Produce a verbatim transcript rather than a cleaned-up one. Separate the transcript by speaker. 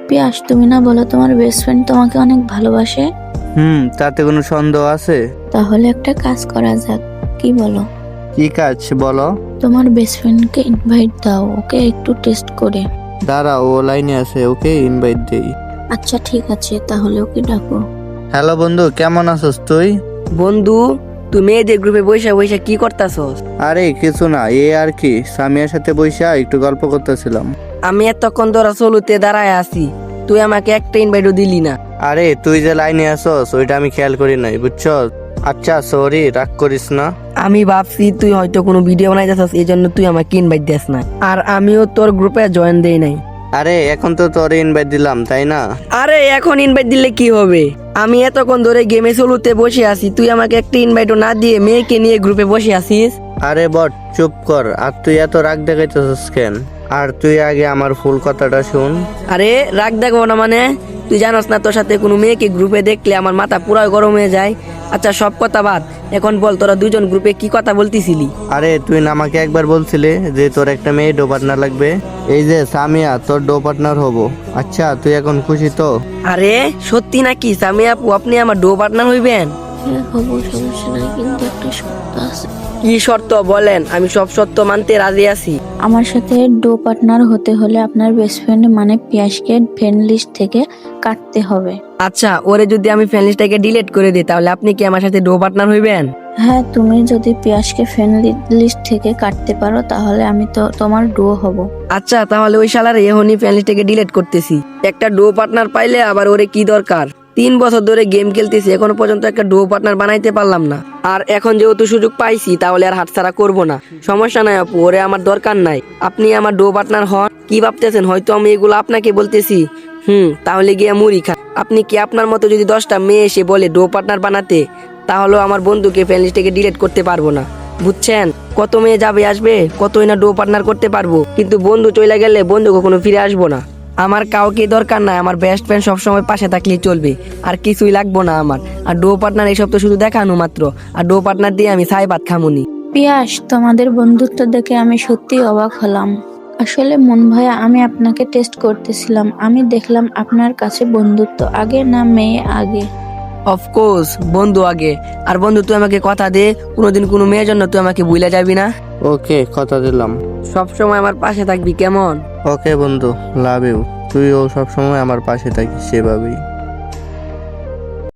Speaker 1: পিয়াস, তুমি না বলো তোমার বেস্ট ফ্রেন্ড তোমাকে অনেক ভালোবাসে?
Speaker 2: হুম, তাতে কোনো সন্দেহ আছে?
Speaker 1: তাহলে একটা কাজ করা যাক, কি বলো?
Speaker 2: কি কাজ বলো?
Speaker 1: তোমার বেস্ট ফ্রেন্ডকে ইনভাইট দাও, ওকে একটু টেস্ট করে।
Speaker 2: দাঁড়া, ও লাইনে আছে, ওকে ইনভাইট দেই।
Speaker 1: আচ্ছা ঠিক আছে, তাহলে ওকে ডাকো।
Speaker 2: হ্যালো বন্ধু, কেমন আছিস তুই?
Speaker 3: বন্ধু, তুই মেয়েদের গ্রুপে বইসা বইসা কি করতাছস?
Speaker 2: আরে কিছু না, এ আর কি, সামিয়ার সাথে বইসা একটু গল্প করতেছিলাম।
Speaker 3: আমি এতক্ষণ ধরা চলুতে দাঁড়ায় আছি, তুই আমাকে একটা ইনভাইটও দিলি না।
Speaker 2: আরে তুই যে লাইনে আসস ওইটা আমি খেয়াল করি নাই, বুঝছস? আচ্ছা সরি, রাগ করিস না।
Speaker 3: আমি ভাবছি তুই হয়তো কোনো ভিডিও বানাইতেছস, এই জন্য তুই আমাকে ইনভাইট দিস না, আর আমিও তোর গ্রুপে জয়েন দেই নাই।
Speaker 2: আরে এখন তো তোর ইনভাইট দিলাম, তাই না?
Speaker 3: আরে এখন ইনভাইট দিলে কি হবে? আমি এতক্ষণ ধরে গেমে চলুতে বসে আছি, তুই আমাকে একটা ইনভাইটও না দিয়ে মেয়েকে নিয়ে গ্রুপে বসে আছিস।
Speaker 2: আরে বট, চুপ কর। আর তুই এত রাগ দেখাইতেছিস কেন? আর তুই আগে আমার ফুল কথাটা শুন।
Speaker 3: আরে রাগ দেখবো না মানে? তুই জানোস না তোর সাথে কোনো মেয়েকে গ্রুপে দেখলে আমার মাথা পুরো গরম হয়ে যায়। আচ্ছা সব কথা বাদ, এখন বল তোরা দুজন গ্রুপে কি কথা বলতিছিলি?
Speaker 2: আরে তুই না আমাকে একবার বলছিলে যে তোর একটা মেয়ে ডো পার্টনার লাগবে? এই যে সামিয়া তোর ডো পার্টনার হবো। আচ্ছা তুই এখন খুশি তো?
Speaker 3: আরে সত্যি নাকি সামিয়া আপু, আপনি আমার ডো পার্টনার হইবেন?
Speaker 1: হ্যাঁ হবো, সমস্যা নাই, কিন্তু একটা শর্ত আছে।
Speaker 3: কি শর্ত বলেন, আমি সব শর্ত মানতে রাজি আছি।
Speaker 1: আমার সাথে ডো পার্টনার হতে হলে আপনার বেস্ট ফ্রেন্ড মানে পিয়াসকে ফ্রেন্ড লিস্ট থেকে কাটতে হবে।
Speaker 3: আচ্ছা, ওরে যদি আমি ফ্রেন্ড লিস্টটাকে ডিলিট করে দিই তাহলে আপনি কি আমার সাথে ডো পার্টনার হইবেন?
Speaker 1: হ্যাঁ, তুমি যদি পিয়াসকে ফ্রেন্ড লিস্ট থেকে কাটতে পারো তাহলে আমি তো তোমার ডো হব।
Speaker 3: আচ্ছা তাহলে ওই শালার এখনই ফ্রেন্ড লিস্টটাকে ডিলিট করতেছি। একটা ডো পার্টনার পাইলে আবার ওরে কি দরকার? তিন বছর ধরে গেম খেলতেছি, এখনো পর্যন্ত একটা ডো পার্টনার বানাইতে পারলাম না। আর এখন যেহেতু সুযোগ পাইছি তাহলে আর হাতছাড়া করবো না। সমস্যা নাই আপু, ওরে আমার দরকার নাই। আপনি আমার ডো পার্টনার হন। কি ভাবতেছেন হয়তো আমি এগুলো আপনাকে বলতেছি? হুম, তাহলে গিয়ে মুড়ি খান। আপনি কি আপনার মতো যদি দশটা মেয়ে এসে বলে ডো পার্টনার বানাতে, তাহলেও আমার বন্ধুকে ফ্রেন্ড লিস্ট থেকে ডিলিট করতে পারবো না, বুঝছেন? কত মেয়ে যাবে আসবে, কতই না ডো পার্টনার করতে পারবো, কিন্তু বন্ধু চলে গেলে বন্ধু কখনো ফিরে আসবো না। আমার কাউকে দরকার নাই, আমার বেস্ট ফ্রেন্ড সবসময় পাশে থাকলেই চলবে, আর কিছুই লাগবো না আমার। আর ডো পার্টনার এইসব তো শুধু দেখানো মাত্র, আর ডো পার্টনার দিয়ে আমি ছাই ভাত খামুনি।
Speaker 1: পিয়াস, তোমাদের বন্ধুত্ব দেখে আমি সত্যি অবাক হলাম। আসলে মন ভাইয়া, আমি আপনাকে টেস্ট করতেছিলাম। আমি দেখলাম আপনার কাছে বন্ধুত্ব আগে না মেয়ে আগে?
Speaker 3: অফকোর্স বন্ধু আগে। আর বন্ধু তুই আমাকে কথা দে, কোনোদিন কোনো মেয়ের জন্য তুই আমাকে ভুলে যাবি না।
Speaker 2: ওকে, কথা দিলাম।
Speaker 3: সবসময় আমার পাশে থাকবি, কেমন?
Speaker 2: ওকে বন্ধু, লাভ ইউ। তুইও সবসময় আমার পাশে থাকিস সেভাবেই।